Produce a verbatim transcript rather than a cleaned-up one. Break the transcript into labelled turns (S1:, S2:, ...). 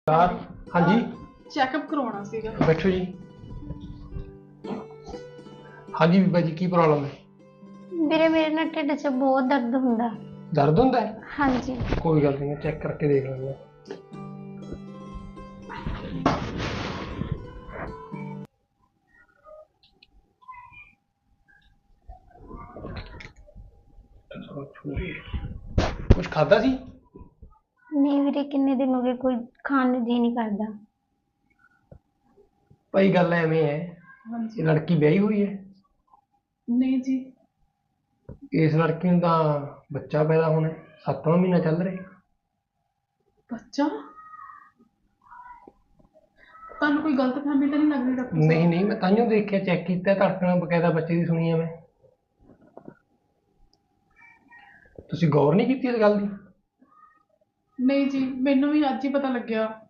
S1: यार हाँ जी
S2: चेकअप करवाना सीगा।
S1: बैठो जी। हाँ जी बीबा जी की प्रॉब्लम है?
S3: ਵੀਰੇ ਮੇਰੇ ਨਾ ਢਿੱਡ 'ਚ ਬਹੁਤ ਦਰਦ ਹੁੰਦਾ।
S1: दर्द होंदा है?
S3: ਹਾਂਜੀ
S1: कोई गल नहीं, चेक करके देख लेंगे। कुछ खादा सी?
S3: ਨਹੀਂ ਵੀਰੇ ਕਿੰਨੇ ਦਿਨ ਹੋ ਗਏ ਕੋਈ ਖਾਣ ਨੂੰ ਜੀ ਨਹੀਂ ਕਰਦਾ।
S1: भाई गल एवें है,
S2: हाँ
S1: ये
S2: जी।
S1: लड़की ब्याही हुई है,
S2: नहीं जी।
S1: इस लड़की ਨੂੰ ਤਾਂ ਬੱਚਾ ਪੈਦਾ ਹੋਣਾ ਹੈ, ਸੱਤਵਾਂ ਮਹੀਨਾ ਚੱਲ ਰਿਹਾ।
S2: बच्चा ਤੁਹਾਨੂੰ ਕੋਈ ਗਲਤ ਫਹਿਮੀ ਤਾਂ ਨਹੀਂ ਲੱਗ ਰਹੀ ਡਾਕਟਰ ਸਾਹਿਬ?
S1: ਨਹੀਂ ਨਹੀਂ, ਮੈਂ ਤਾਂਹੀਓ ਦੇਖਿਆ, ਚੈੱਕ ਕੀਤਾ, ਧੜਕਣਾ ਬਕਾਇਦਾ ਬੱਚੇ ਦੀ ਸੁਣੀ ਹੈ ਮੈਂ। ਤੁਸੀਂ ਗੌਰ ਨਹੀਂ ਕੀਤੀ ਇਸ ਗੱਲ ਦੀ?
S2: ਨਹੀਂ ਜੀ, ਮੈਨੂੰ ਵੀ ਅੱਜ ਹੀ ਪਤਾ ਲੱਗਿਆ।